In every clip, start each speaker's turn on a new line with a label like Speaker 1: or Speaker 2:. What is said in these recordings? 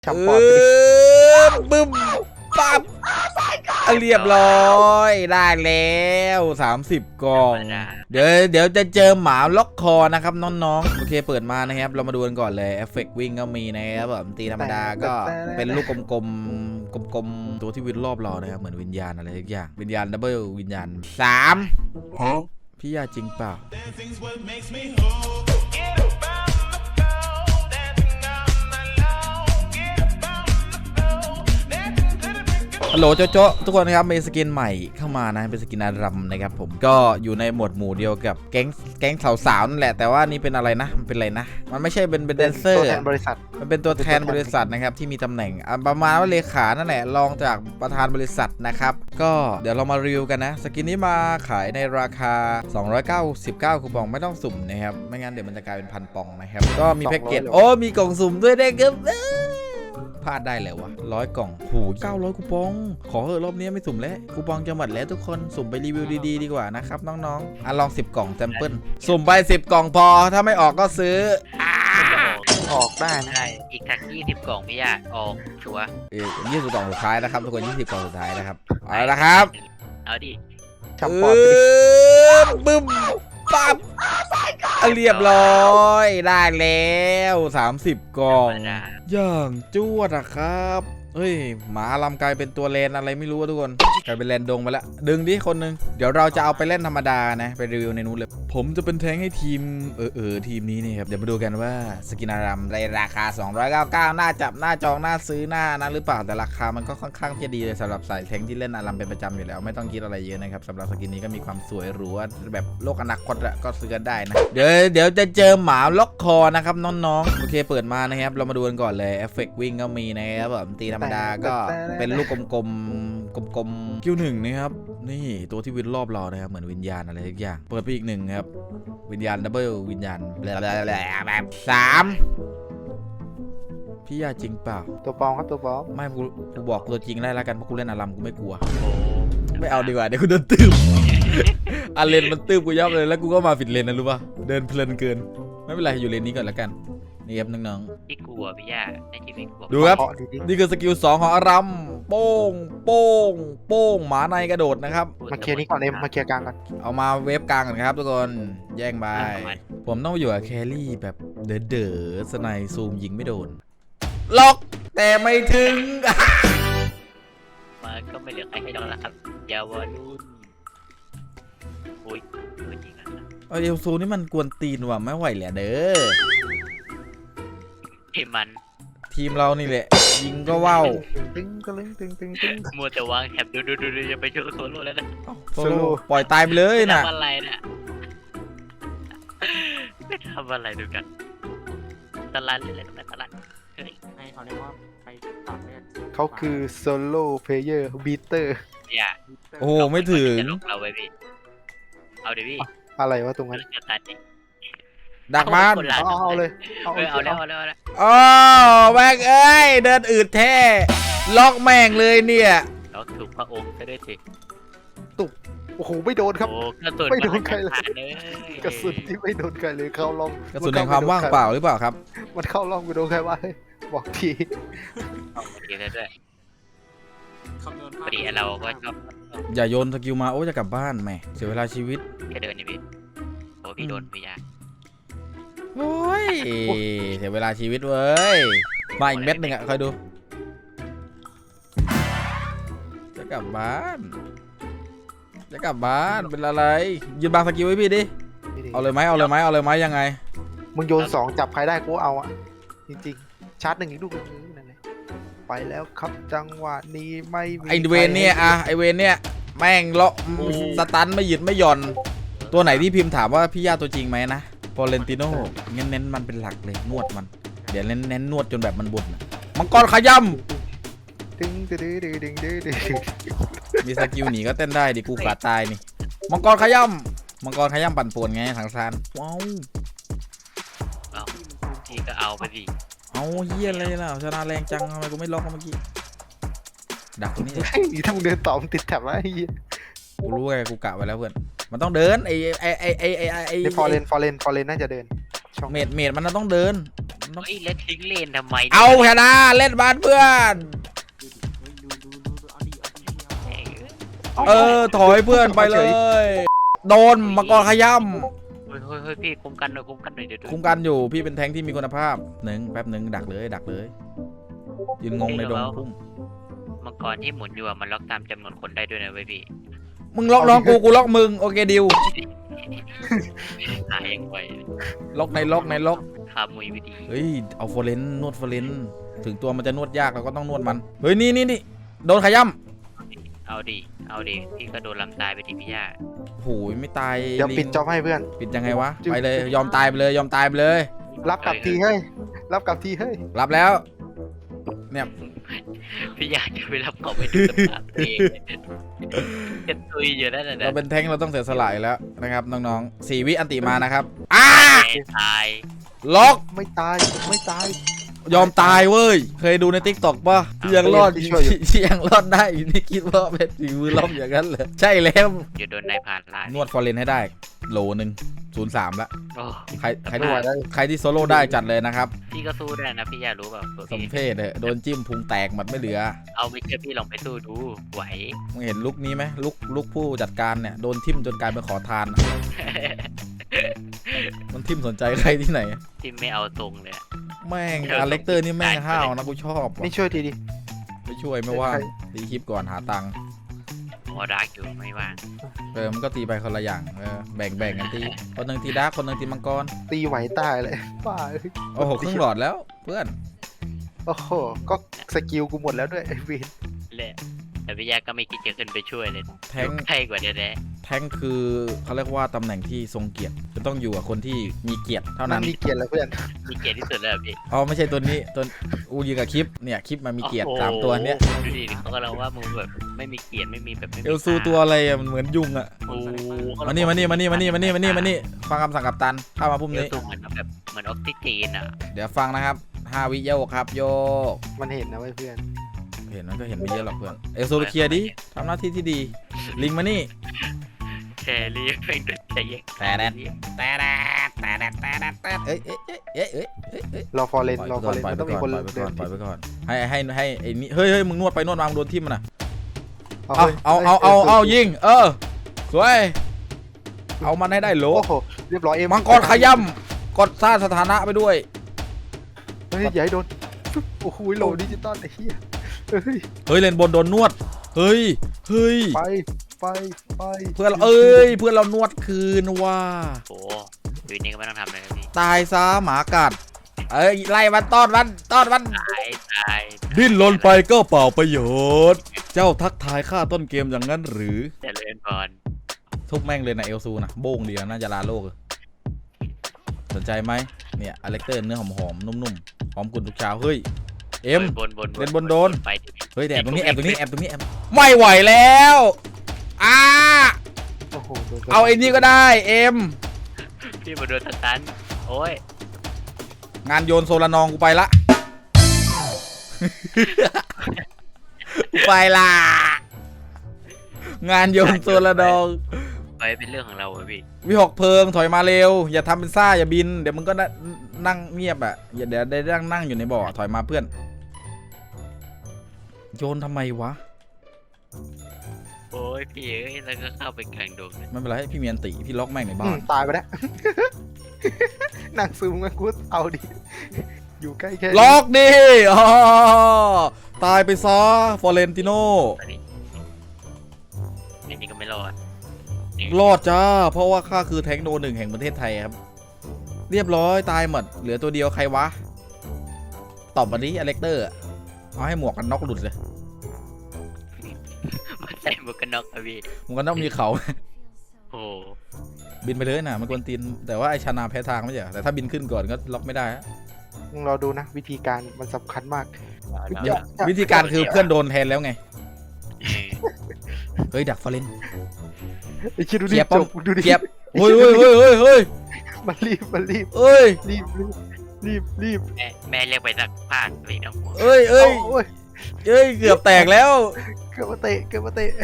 Speaker 1: ฉ่ำปอดไปดิ
Speaker 2: บึ้มปั๊บเรียบร้อยได้แล้ว30 กล่อง เดี๋ยวจะเจอหมาล็อกคอนะครับน้องๆโอเคเปิดมานะครับเรามาดูกันก่อนเลยเอฟเฟกต์วิ่งก็มีนะครับแบบตีธรรมดาก็เป็นลูกกลมๆตัวที่วิ่งรอบเรานะครับเหมือนวิญญาณอะไรทุกอย่างวิญญาณดับเบิลวิญญาณ3พี่ยาจริงเปล่าฮัลโหลโจ๊ะทุกคนนะครับมีสกินใหม่เข้ามานะเป็นสกินอารัมนะครับผมก็อยู่ในหมวดหมู่เดียวกับแก๊งสาวๆนั่นแหละแต่ว่านี่เป็นอะไรนะมันเป็นอะไรนะมันไม่ใช่เป็นแดนเซอร์ตัวแทนบริษัทมันเป็นตัวแทนบริษัทนะครับที่มีตำแหน่งประมาณว่าเลขานั่นแหละรองจากประธานบริษัทนะครับก็เดี๋ยวเรามารีวิวกันนะสกินนี้มาขายในราคา299คูปองไม่ต้องสุ่มนะครับไม่งั้นเดี๋ยวมันจะกลายเป็น1,000 ปองนะครับก็มีแพ็กเกจโอ้มีกล่องสุ่มด้วยนะครับพลาดได้เลยวะ100 กล่องโห900คูปองขอเถอะรอบนี้ไม่สุ่มแล้วคูปองจะหมดแล้วทุกคนสุ่มไปรีวิวดีๆดีกว่านะครับน้องๆลอง10 กล่องแซมเปิลสุ่มไป10 กล่องพอถ้าไม่ออกก็ซื้อ
Speaker 1: ออกได้นะ
Speaker 3: อีกทัก20 กล่องไม่ยากออกชัวร์
Speaker 2: 20 กล่องสุดท้ายนะครับทุกคน20 กล่องสุดท้ายนะครับเอาละครับ
Speaker 3: เอาดิ
Speaker 1: ฉ่ำปอดไปดิ
Speaker 2: บึ้มปั๊บเรียบร้อยได้แล้ว30 กล่องอย่างจวดอะครับเฮ้ยหมาลำกลายเป็นตัวเลนอะไรไม่รู้ทุกคนกลายเป็นเลนดงไปแล้วดึงดิคนนึงเดี๋ยวเราจะเอาไปเล่นธรรมดานะไปรีวิวในนู้นเลยผมจะเป็นแทงให้ทีมทีมนี้นี่ครับเดี๋ยวมาดูกันว่าสกินอารัมในราคา299น่าจับน่าจองน่าซื้อน่านะหรือเปล่าแต่ราคามันก็ค่อนข้างที่ดีเลยสำหรับสายแทงที่เล่นอารัมเป็นประจำอยู่แล้วไม่ต้องคิดอะไรเยอะนะครับสำหรับสกินนี้ก็มีความสวยหรูแบบโลกอนาคตก็ซื้อกันได้นะเดี๋ยวจะเจอหมาล็อกคอนะครับน้องๆโอเคเปิดมานะครับเรามาดูกันก่อนเลยเอฟเฟกต์วิ่งก็มีนะครับแบบตีธรรมดาก็เป็นลูกกลมๆคิว1นะครับนี่ตัวที่วิ่งรอบเรานะครับเหมือนวิญญาณอะไรทุกอย่างเปิดไปอีก1ครับวิญญาณดับเบิลวิญญาณแบบ3พี่ยาจริงเปล่า
Speaker 1: ตัวปลอมครับตัวปลอม
Speaker 2: ไม่กูบอกตัวจริงได้แล้วกันเพราะกูเล่นอารัมกูไม่กลัวไม่เอาดีกว่าเดี๋ยวกูโดนตืบอาเลนมันตืบกูยับเลยแล้วกูก็มาผิดเลนนะรู้ป่ะเดินเพลินเกินไม่เป็นไรอยู่เลนนี้ก่อนแล้วกันนี่ครับน้อง
Speaker 3: ๆพี่กลัวพี่ยาในชีวิตกลัว
Speaker 2: ดูครับนี่คือสกิล2ของอารัมโป้งหมาในกระโดดนะครับ
Speaker 1: มาเคลียร์นี้ก่อนเอ็มมาเคลียร์กลางกัน
Speaker 2: เอามาเวฟกลางกันครับทุกคนแย่งไปผมต้องอยู่กับแครี่แบบเด๋อสไนซูมยิงไม่โดนล็อกแต่ไม่ถึง
Speaker 3: มันก็ไม่เหลือใครให้ดอกแล้วครับยาวรุ่นโอ้ยจริงนะ
Speaker 2: เอลซูนี่มันกวนตีนว่ะไม่ไหวแหละเด้อทีมเรานี่แหละยิงก็ว่าว
Speaker 1: ตึง
Speaker 3: มัวแต่วางแถบดูอย่าไปโชว์โซโล่แล้วนะ
Speaker 2: โซโล่ปล่อยตายไปเลยนะ
Speaker 3: ทำอะไรเนี่ยไม่ทำอะไรดูกันตลาดเลยทำไมตลาดเฮ้ยให้เขาเรียกว่าไปต่อเนื่อง
Speaker 1: เขาคือโซโล่เพลเยอร์บีเตอร์
Speaker 2: โอ้ไม่ถึง
Speaker 3: เราไปพี่เอาดิพี่
Speaker 1: อะไรวะตรงนั้น
Speaker 2: ดักมัน
Speaker 1: เอาเลย
Speaker 3: เอาแล้ว
Speaker 2: อ๋อแม่งเอ้ยเดินอืดแท้ล็อกแม่งเลยเนี่ย
Speaker 3: ล็อกถูกพระองค์ก็ได้สิ
Speaker 1: ตุกโอ้โหไม่โดนครับไม่โดนใครเลยกระสุนที่ไม่โดนใครเลยเข้าล่อง
Speaker 2: กระสุนในความว่างเปล่าหรือเปล่าครับ
Speaker 1: มันเข้าล่องกูโดนใครวะบอกที
Speaker 3: ด้วยพอดีเราก็ชอบ
Speaker 2: อย่าโยนสกิลมาโอ้จะกลับบ้านแม่เสียเวลาชีวิต
Speaker 3: แค่เดินนี่พี่โอ้พี่โดนพี่ยา
Speaker 2: โอ้ยเสียเวลาชีวิตเว้ยมาอีกเม็ดหนึ่งอ่ะคอยดูจะกลับบ้านเป็นอะไรยืนบางสกิลไว้พี่ดิเอาเลยไหมยังไง
Speaker 1: มึงโยน2จับใครได้กูเอาอ่ะจริงๆชาร์จ1อีกลูกนั่นเลยไปแล้วครับจังหวะนี้ไม่มี
Speaker 2: ไอเวนเนี่ยไอเวนเนี่ยแม่งเลาะสตันไม่หยุดไม่หย่อนตัวไหนที่พิมพ์ถามว่าพี่ย่าตัวจริงไหมนะฟอเรนติโน่เน้นมันเป็นหลักเลยนวดมันเดี๋ยวเน้นนวดจนแบบมันบุญมังกรขย่ำมีสกิลหนีก็เต้นได้ดิกูขาดตายนี่มังกรขย่ำปั่นป่วนไงทางซานว้าว
Speaker 3: ทีก็เอาไปดิ
Speaker 2: เอาเฮียอะไรล่ะชนะแรงจังทำไมกูไม่ล็อกเมื่อกี้ดักตรงนี้
Speaker 1: ถ้ามึงเดินต่อมึงติดแถบแล้วไอ้เหี้ย
Speaker 2: กูรู้ไงกูกะไว้แล้วเพื่อนมันต้องเดินไอ
Speaker 1: ฟอร์เรนน่าจะเดิน
Speaker 2: เมดมันต้องเดินน้อง
Speaker 3: เฮ้ยเล่นทิ้งเลนทำไม
Speaker 2: เอาชนะเล่นบ้านเพื่อน ถอยเพื่อนไปเลย โดนมังกรขย้ำ
Speaker 3: เฮ้ยพี่คุมกันหน่อยเดี๋ยว
Speaker 2: คุ้มกันอยู่พี่เป็นแทงค์ที่มีคุณภาพแป๊บหนึ่งดักเลยยืนงงในดงพุ่ม
Speaker 3: มังกรที่หมุนอยู่มันล็อกตามจำนวนคนได้ด้วยนะเว้ยพี่
Speaker 2: มึงล็อกน้องกูล็อกมึงโอเคดิว
Speaker 3: หายังไง
Speaker 2: ล็อกในล็อก
Speaker 3: คามุยวิธี
Speaker 2: เฮ้ยเอาโฟเรนนวดโฟเรนถึงตัวมันจะนวดยากเราก็ต้องนวดมันเฮ้ยนี่โดนขย้ำ
Speaker 3: เอาดิพี่ก็โดนลำตายไปทีพี่ย่า
Speaker 2: โหยไม่ตาย
Speaker 1: เดี๋ยวปิดจอบให้เพื่อน
Speaker 2: ปิดยังไงวะไปเลยยอมตายไปเลย
Speaker 1: รับกลับทีเฮ้ยรับกลับทีเฮ้ย
Speaker 2: รับแล้วเนี่ย
Speaker 3: พี่ย่าจะไปรับเขาไปดูสภาพเองจะตุยอยู่นั่นแหละ
Speaker 2: เรา
Speaker 3: นะ
Speaker 2: เป็นแทงค์เราต้องเสียสละอยู่แล้วนะครับน้องๆ4 วิอันติมานะครับ
Speaker 3: ตาย
Speaker 2: ล็อก
Speaker 1: ไม่ตาย
Speaker 2: ยอมตายเว้ยเคยดูในทิกตอกป่ะที่ยังรอด
Speaker 1: ที่ช่วยอยู่
Speaker 2: ที่ยังรอดได้นี่คิดว่าเป็นฝีมือล้อมอย่างนั้นเลยใช่แล้ว
Speaker 3: อยู่โดนนายผ่านล่าน
Speaker 2: วดฟอร์เรนให้ได้โหลหนึ่ง03ละ
Speaker 3: โอ้
Speaker 2: ใคร
Speaker 1: ไม่ไหวแล้ว
Speaker 2: ใครที่โซโล่ได้จัดเลยนะครับ
Speaker 3: พี่ก็สู้ได้นะพี่ย่ารู้เปล่าตัว
Speaker 2: สม
Speaker 3: พี่
Speaker 2: เพศโดนจิ้มพุงแตกหมดไม่เหลือ
Speaker 3: เอาไม่เชื่อพี่ลองไปสู้ดูไหว
Speaker 2: มึงเห็นลุกนี้ไหมลุกผู้จัดการเนี่ยโดนทิ่มจนกลายเป็นขอทานอะมันทิ่มสนใจใครที่ไหน
Speaker 3: ที่ไม่เอาตรงเลยอะ
Speaker 2: แม่งอเล็กเตอร์นี่แม่งห้าวนะกูชอบว่ะ
Speaker 1: นี่ช่วยทีดิ
Speaker 2: ไม่ช่วยไม่ว่างตีคลิปก่อนหาตังค์
Speaker 3: หมอดักอยู่ไม่ว่าง
Speaker 2: มันก็ตีไปคนละอย่างแบ่งกันตีคนหนึ่งตีดาร์กคนหนึ่งตีมังกร
Speaker 1: ตีไหวตายเลยบ้า
Speaker 2: โอ้โหครึ่งหลอดแล้วเพื่อน
Speaker 1: โอ้โหก็สกิลกูหมดแล้วด้วยไอ้เวน
Speaker 3: แหละแต่พี่ย่าก็ไม่คิดจะขึ้นไปช่วยเลย
Speaker 2: แทงค์
Speaker 3: ใช่กว่าเดี๋ยวแน่
Speaker 2: แทงค์คือเขาเรียกว่าตำแหน่งที่ทรงเกียรติจะต้องอยู่กับคนที่มีเกียรติเท่า
Speaker 1: มั
Speaker 2: นั้น น
Speaker 1: มีเกียรติแล้วเพื่อน
Speaker 3: มีเกียรติที่สุดแล้วพี่
Speaker 2: อ๋อไม่ใช่ตัวนี้ตัวอูยืนกับคลิปเนี่ยคลิปมันมีเกียรติสามตัวเนี้ย
Speaker 3: ดูดิเขาก็เราว่ามึงแบบไม่มีเกียรติไม่มีแบบไม่มี
Speaker 2: เอลซูตัวอะไรอะมันเหมือนยุงอะ
Speaker 3: โอ้
Speaker 2: มานี่ฟังคำสั่งกัปตันเข้ามาพุ่ม
Speaker 3: เอล
Speaker 2: นี้
Speaker 3: ซูเหมือนแบบเหมือนออกซิเจนอ่ะ
Speaker 2: เดี๋ยวฟังนะครับ5 วิโยกครับโยก
Speaker 1: มันเห็นนะเว้ยเพื่อน
Speaker 2: เห็นมันก็เห็นไม่เยอะหรอกเพื่อนเอลซูไปเคลียร์ดิทำหน้าที่ที่ดีลิงมานี่
Speaker 3: แครี่เป็นตัวใจเย็น
Speaker 2: แต่เอ้ย
Speaker 1: รอฟอร์เรน
Speaker 2: ปล่อย
Speaker 1: รอฟอร์เรน
Speaker 2: ไป
Speaker 1: มันต้องมี
Speaker 2: ก่
Speaker 1: ค
Speaker 2: อน
Speaker 1: น
Speaker 2: ปล่อยไป
Speaker 1: เดิ
Speaker 2: ก่อน
Speaker 1: น
Speaker 2: ปล่อยไปก่อนให้ไอ้นี่เฮ้ยมึงนวดไปนวดมามึงโดนทิ่มมันนะ
Speaker 1: ฮ้ย
Speaker 2: เอายิงสวยเอามันให้ได้โหล
Speaker 1: โอ้โหเรียบร้อยเอ็ม
Speaker 2: มังกรขย้ำกดสร้างสถานะไปด้วย
Speaker 1: เฮ้ยอย่าให้โดนโอ้โหโหลดิจิตอลไอ้เหี้ยเฮ้ย
Speaker 2: เฮ้ยเลนบนโดนนวดเฮ้ย
Speaker 1: ไป
Speaker 2: เพื่อนเรานวดคืนว่า
Speaker 3: โอ้ดูนี่ก็ไม่ต้องทำเลยนะพี่
Speaker 2: ตายซะหมากัดไล่มันต้อนมัน
Speaker 3: ตาย
Speaker 2: ดิ้นรนไปก็เปล่าประโยชน์ เจ้าทักทายข้าต้นเกมอย่างนั้นหรือ
Speaker 3: เจริญพร
Speaker 2: ทุบแม่งเลยนะเอลซูนะโบ้งดีนะน่าจะลาโลกสนใจไหมเนี่ยอเล็กเตอร์เนื้อหอมๆนุ่มๆหอมกุนทุกเช้าเฮ้ยเอ็ม
Speaker 3: บน
Speaker 2: เล่นบนโดน
Speaker 3: ไปดิ
Speaker 2: เฮ้ยแอบตรงนี้ไม่ไหวแล้ว
Speaker 1: โอ้โหโดน
Speaker 2: เอาไอ้นี่ก็ได้เอ็ม
Speaker 3: พี่มาโดนตันโอ้ย
Speaker 2: งานโยนโซลานองกูไปละ กูไปละงานโยนโซลานอง
Speaker 3: ไปเป็นเรื่องของเราอะพี่
Speaker 2: วิหกเพลิงถอยมาเร็วอย่าทำเป็นซ่าอย่าบินเดี๋ยวมึงก็นั่งเงียบอ่ะอย่าเดี๋ยวได้นั่งอยู่ในบ่อถอยมาเพื่อนโยนทำไมวะ
Speaker 3: โอ้ยพี่เอ้ยแล้วก็เข้าไปกลางดงเลย
Speaker 2: ไม่เป็นไรพี่เมียนติพี่ล็อกแม่งในบ้าน
Speaker 1: ตายไปแล้วนั่งซึมกันกูเอาดิอยู่ใกล้แค่
Speaker 2: ล็อกดิอ๋อตายไปซะฟอเรนติโน
Speaker 3: อันนี้ก็ไม่รอด
Speaker 2: รอดจ้าเพราะว่าข้าคือแทงค์โนหนึ่งแห่งประเทศไทยครับเรียบร้อยตายหมดเหลือตัวเดียวใครวะตอบมาดิอเล็กเตอร์เอาให้หมวกกันน็อกหลุดเลย
Speaker 3: มันใส่หมวกกันน็อกอะพี่
Speaker 2: หมวกกันน็อกมีเขา
Speaker 3: โอ้
Speaker 2: บินไปเลยนะมันกวนตีนแต่ว่าไอชานาแพ้ทางไม่ใช่เหรอแต่ถ้าบินขึ้นก่อนก็ล็อกไม่ได้ฮะ
Speaker 1: มึงรอดูนะวิธีการมันสำคัญมาก
Speaker 2: เดี๋ยววิธีการคือเพื่อนโดนแทนแล้วไงเฮ้ยดักฟอเรน
Speaker 1: ไอ้คิดดูดิ
Speaker 2: เกียบ
Speaker 1: จบดูดิ
Speaker 2: เกียบเฮ้ย
Speaker 1: มันรีบ
Speaker 2: เอ้ย
Speaker 1: รีบ
Speaker 3: แม่เรียกไปสักภาคเลยนะ
Speaker 2: เอ้ย
Speaker 1: โอ้ย
Speaker 2: เกือบแตกแล้ว
Speaker 1: เกือบมา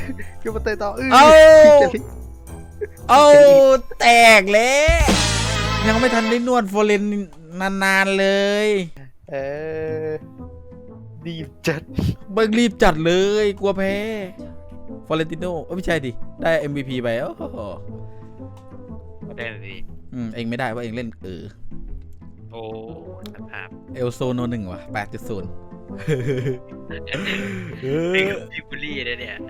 Speaker 1: เตะต่อ
Speaker 2: เอาแตกแล้วยังไม่ทันได้นวดโฟเรนนานๆเลย
Speaker 1: เออดีจัด
Speaker 2: เบิกรีบจัดเลยกลัวแพ้ฟอเรนติโนไม่ใช่ดิได้ MVP ไปโอ้โห
Speaker 3: ได้พี่
Speaker 2: เองไม่ได้ว่าเองเล่น
Speaker 3: โอ้สภาพ
Speaker 2: เอลโซโน1ว่ะ 8.0
Speaker 3: นี่คือพี่บุรีเลยเนี่ย